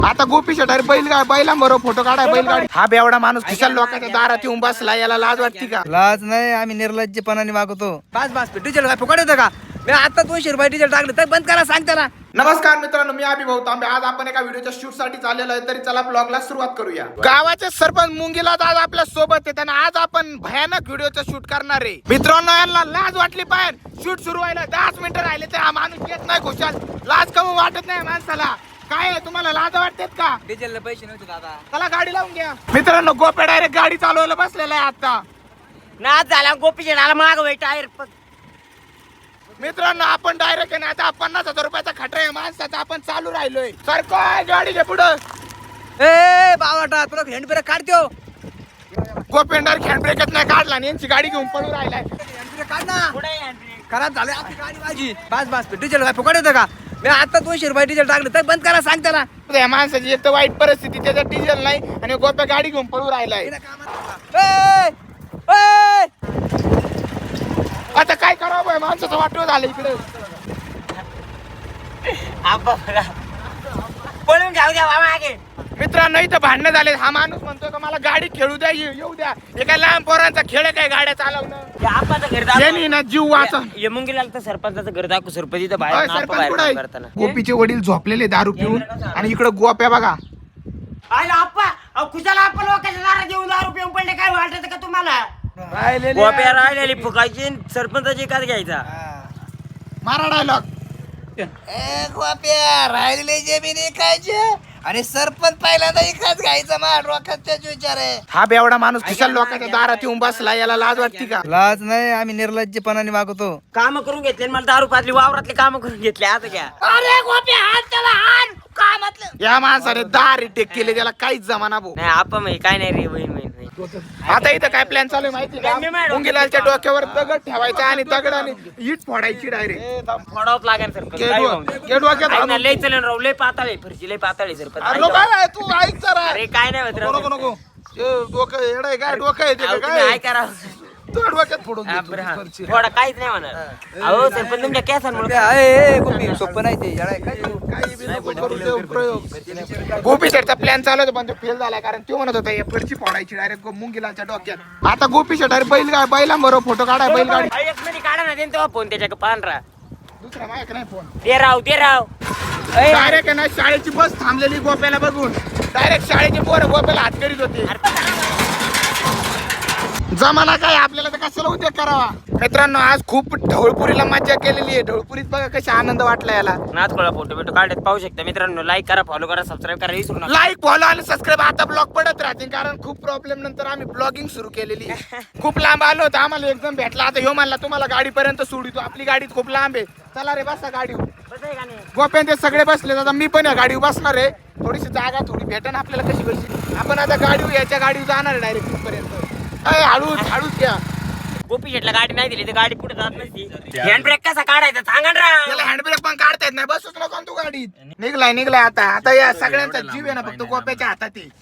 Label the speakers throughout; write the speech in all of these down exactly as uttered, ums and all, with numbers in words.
Speaker 1: आता गोपी शेटारी बैल बैलांबरोबर फोटो काढाय बैलगाडी हा बेवडा माणूस खिशाल लोकांच्या दारात येऊन बसला, याला लाज वाटते का?
Speaker 2: लाज नाही, आम्ही निर्लज्जपणाने वागतो. बस बस डिझेल काय फुकट येतं का? मी आता दोनशे रुपये डिझेल टाकलं तर बंद करा सांगता ना.
Speaker 1: नमस्कार मित्रांनो, मी अभिभाऊ तांबे. आज आपण एका व्हिडिओच्या शूट साठी चाललेलो आहे, तरी चला ब्लॉगला सुरुवात करूया. गावाचे सरपंच मुंगीला आज आपल्या सोबत आहेत आणि आज आपण भयानक व्हिडिओचं शूट करणार आहे. मित्रांनो, यांना लाज वाटली पाहिजे. शूट सुरू व्हायला दहाच मिनिटं राहिले तर हा माणूस येत नाही खुशाल. लाज कमी वाटत नाही माणसाला. काय आहे, तुम्हाला लाज वाटतेत का?
Speaker 2: डिझेलला पैसे नव्हते दादा.
Speaker 1: चला गाडी लावून घ्या. मित्रांनो, गोप्या डायरेक्ट गाडी चालवायला बसलेला आहे आता.
Speaker 3: नाच झाला गोपी शेणाला माग टायर.
Speaker 1: मित्रांनो, आपण डायरेक्ट आहे ना आता पन्नास हजार रुपयाचा खटरा आहे माणसाचा, आपण चालू राहिलोय. सारखं गाडीच्या पुढं
Speaker 2: ए बावटा तुला हँड ब्रेक काढतो.
Speaker 1: गोपेंडर हँड ब्रेकच नाही काढला आणि यांची गाडी घेऊन पळून राहिलाय.
Speaker 2: हँड ब्रेक काढ ना. खराब झाले आपली गाडी माझी. बस बस डिझेल काय फुकट येतं का? मी आता दोनशे रुपये डिझेल टाकलं तर बंद करा सांगता ना.
Speaker 1: या माणसाची एक तर वाईट परिस्थिती, त्याच्यात डिझेल नाही आणि गोप्या गाडी घेऊन पळून राहिलाय.
Speaker 2: ए, ए,
Speaker 1: आता काय करावं बाय, माणसाचं वाटव झालं इकडे.
Speaker 3: पळून जाऊ द्या मागे.
Speaker 1: मित्रांनो, इथं भांडणं झाले. हा माणूस म्हणतोय का मला गाडी खेळू द्या, ये- येऊ द्या. हे काय लहान पोरांचा खेळ आहे काय गाड्या चालवणं?
Speaker 3: आपाचं घर
Speaker 1: यांनी ना जीव वाचा.
Speaker 3: मुंगीला तर सरपंचाचं घर दाखवू. सरपंच इथं
Speaker 1: अय,
Speaker 3: बाहेर
Speaker 1: सरपंच
Speaker 3: बाहेर
Speaker 1: कुठं
Speaker 3: काम
Speaker 1: आहे?
Speaker 3: करताना.
Speaker 1: गोपीचे वडील झोपलेले दारू पिऊन आणि इकडे गोप्या बघा.
Speaker 3: आयला आप्पा, अहो खुशाला आपण लोकांच्या दारात येऊन दारू पिऊन पडले, काय वाटत का तुम्हाला?
Speaker 2: राहिलेले
Speaker 3: गोप्या राहिलेली फुकायची, सरपंचाची एकाच घ्यायचा.
Speaker 1: मारा डायलॉग.
Speaker 2: ए गोप्या राहिलेले जमीन ऐकायचे आणि सरपंच पहिल्यांदा एकाच घ्यायचा. मा डोक्यात त्याच विचार आहे.
Speaker 1: हा बेवडा माणूस खिशाल लोकांच्या दारात येऊन बसला, याला लाज वाटते का?
Speaker 2: लाज नाही, आम्ही निर्लज्जपणाने वागतो.
Speaker 3: काम करून घेतले आणि मला दारू पाजली, वावरातले काम करून घेतले. आता घ्या.
Speaker 1: अरे गोप्या, हात त्याला हात कामातलं. या माणसाने दहा रिटेक केले, त्याला काहीच जमाना भाऊ.
Speaker 3: नाही आपा मग काय नाही रे, वहीन वहीन
Speaker 1: आता इथं काय प्लॅन चालू आहे माहिती का?
Speaker 3: मी मॅडम-
Speaker 1: मुंगीलालच्या डोक्यावर दगड ठेवायचा आणि दगडाने इट फोडायची डायरेक्ट.
Speaker 3: फोडावत लागेल सरपंच. काय होऊन जाईल.
Speaker 1: डोक्यात
Speaker 3: ऐक ना, लय चलन राव, लय पाताळे फरची, लय पाताळे सरपंच.
Speaker 1: अरे नको आहे, तू ऐक जरा.
Speaker 3: अरे काय नाही होत राव.
Speaker 1: नको नको ते डोकं येडं आहे काय? डोकं आहे ते
Speaker 3: अहो,
Speaker 1: का
Speaker 3: तुम्ही
Speaker 1: काय?
Speaker 3: ऐका राव.
Speaker 1: तू डोक्यात फोडून
Speaker 3: हा,
Speaker 1: देतो
Speaker 3: बरं, हा.
Speaker 1: फरशी.
Speaker 3: थोडा काहीच नाही म्हणा. अहो सरपंच तुमच्या केसांमुळे
Speaker 2: सोपं नाही ते येडा आहे काय?
Speaker 1: काही बी नको करू देऊ प्रयोग. गोपी शेटचा प्लॅन चालू होता पण तो फेल झाला, कारण तो म्हणत होता हे फरची फोडायची डायरेक्ट मुंगीलालच्या डोक्यात. आता गोपी शेट अरे बैल बैलांबरोबर फोटो काढाय बैलगाडी.
Speaker 3: एक मध्ये काढा ना तेव्हा फोन त्याच्या पांढरा.
Speaker 1: दुसरा माहिती नाही फोन.
Speaker 3: ते राव ते राव.
Speaker 1: डायरेक्ट आहे ना शाळेची बस थांबलेली गोप्याला बघून डायरेक्ट शाळेची पोरं गोप्याला हात करीत होते. जमाना काय, आपल्याला तर कशाला उद्योग करावा. मित्रांनो, आज खूप ढवळपुरीला मज्जा केलेली आहे. ढवळपुरीत बघा कशा आनंद वाटला याला.
Speaker 3: नाथकोळा फोटो बिटो काढत पाहू शकता मित्रांनो. लाईक करा, फॉलो करा, सबस्क्राईब करा, विसरू नका.
Speaker 1: लाईक फॉलो आणि सबस्क्राईब आता ब्लॉग पडत राहतील, कारण खूप प्रॉब्लेम नंतर आम्ही ब्लॉगिंग सुरू केलेली आहे. खूप लांब आलो होतो, आम्हाला एकदम भेटला. आता ह्यो म्हणला तुम्हाला गाडीपर्यंत सोडितो, आपली गाडी खूप लांब आहे. चला रे बसा गाडीवर.
Speaker 3: बस आहे का नाही?
Speaker 1: गोप्यान ते सगळे बसले. आता मी पण या गाडीवर बसणार आहे. थोडीशी जागा थोडी भेटन आपल्याला कशी कशी. आपण आता गाडीवर याच्या गाडीवर जाणार आहे डायरेक्ट तिथपर्यंत. अय हळूच हळूच घ्या.
Speaker 3: गोपी शेटला गाडी नाही दिली तर गाडी पुढे जात नसती. हँड ब्रेक कसा काढायचा सांगा ना राव.
Speaker 1: त्याला हँडब्रेक पण काढता येत नाही. बसूच नको तू गाडीत. निघलाय निघलाय आता. आता या सगळ्यांचा जीव आहे ना फक्त गोप्याच्या हातात आहे.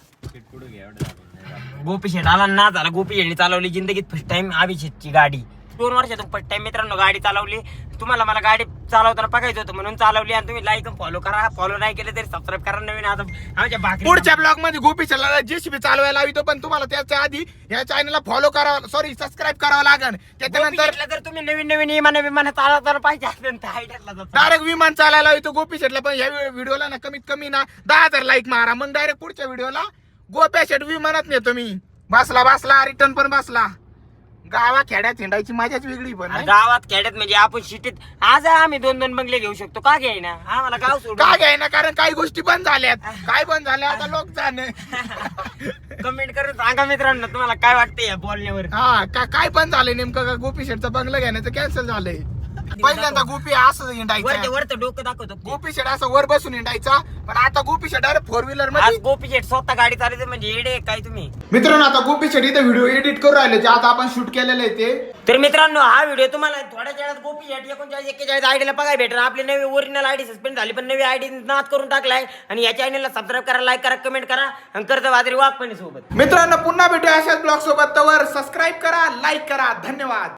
Speaker 3: गोपी शेट आला ना झाला. गोपी शेटने चालवली जिंदगीत फर्स्ट टाइम अभिषेकची गाडी. दोन वर्षातून फर्स्ट टाइम मित्रांनो गाडी चालवली. तुम्हाला मला गाडी चालवताना बघायचं होतं म्हणून चालवली. आणि तुम्ही लाईक फॉलो करा, फॉलो नाही केलं तरी सबस्क्राईब करा. नवीन आता आमच्या भाकरी
Speaker 1: पुढच्या ब्लॉग मध्ये गोपी चला जेसीबी चालवायला लावितो, पण तुम्हाला त्याच्या आधी या चॅनलला फॉलो करावं, सॉरी सबस्क्राईब करावं लागेल. त्याच्यानंतर
Speaker 3: जर तुम्ही नवीन नवीन विमान विमान चालवताना पाहिजे असेल तर आयडियाला जातो.
Speaker 1: डायरेक्ट विमान चालायला लावितो गोपी शेटला. पण या व्हिडिओला ना कमीत कमी ना दहा हजार लाईक मारा, मग डायरेक्ट पुढच्या व्हिडिओला गोप्या शेट विमानात नेतो मी. बसला बसला रिटर्न पण बसला. गावा खेड्यात हिंडायची मजाच वेगळी. पण नाही?
Speaker 3: गावात खेड्यात म्हणजे आपण सिटीत आज आम्ही दोन दोन बंगले घेऊ शकतो. का घ्यायना आम्हाला गाव सोडून.
Speaker 1: का घ्यायना, कारण काही गोष्टी बंद झाल्यात. काय बंद झाल्या आता लोक जाणे.
Speaker 3: कमेंट करून सांगा मित्रांनो तुम्हाला काय वाटतंय या बोलण्यावर.
Speaker 1: हा का काय बंद झालंय नेमकं? का गोपी शेटचा बंगला घेण्याचं कॅन्सल झालंय. पहिल्यांदा गोपी असं
Speaker 3: वरते
Speaker 1: हिंडायचा.
Speaker 3: वरतं डोकं दाखवतो.
Speaker 1: गोपी शेट असं वर बसून हिंडायचा, पण आता गोपी शेट अरे फोर व्हीलर
Speaker 3: आज
Speaker 1: मध्ये.
Speaker 3: गोपी शेट स्वतः गाडी चालवते म्हणजे येडे आहे काय तुम्ही.
Speaker 1: मित्रांनो, आता गोपी शेट इथे व्हिडिओ एडिट करू राहिले जे आता आपण शूट केलेलं आहे ते.
Speaker 3: तर मित्रांनो हा व्हिडिओ तुम्हाला थोड्या वेळात गोपी शेट एकोणचाळीस एक्केचाळीस आयडीला बघायला भेटेल. आपली नवी ओरिजिनल आयडी सस्पेंड झाली पण नवी आयडी नाद करून टाकलाय. आणि या चॅनलला सबस्क्राईब करा, लाईक करा, कमेंट करा आणि कर्ज वादरी वाघ पण सोबत.
Speaker 1: मित्रांनो, पुन्हा भेटूया अशाच ब्लॉग सोबत. तवर सबस्क्राईब करा, लाईक करा. धन्यवाद.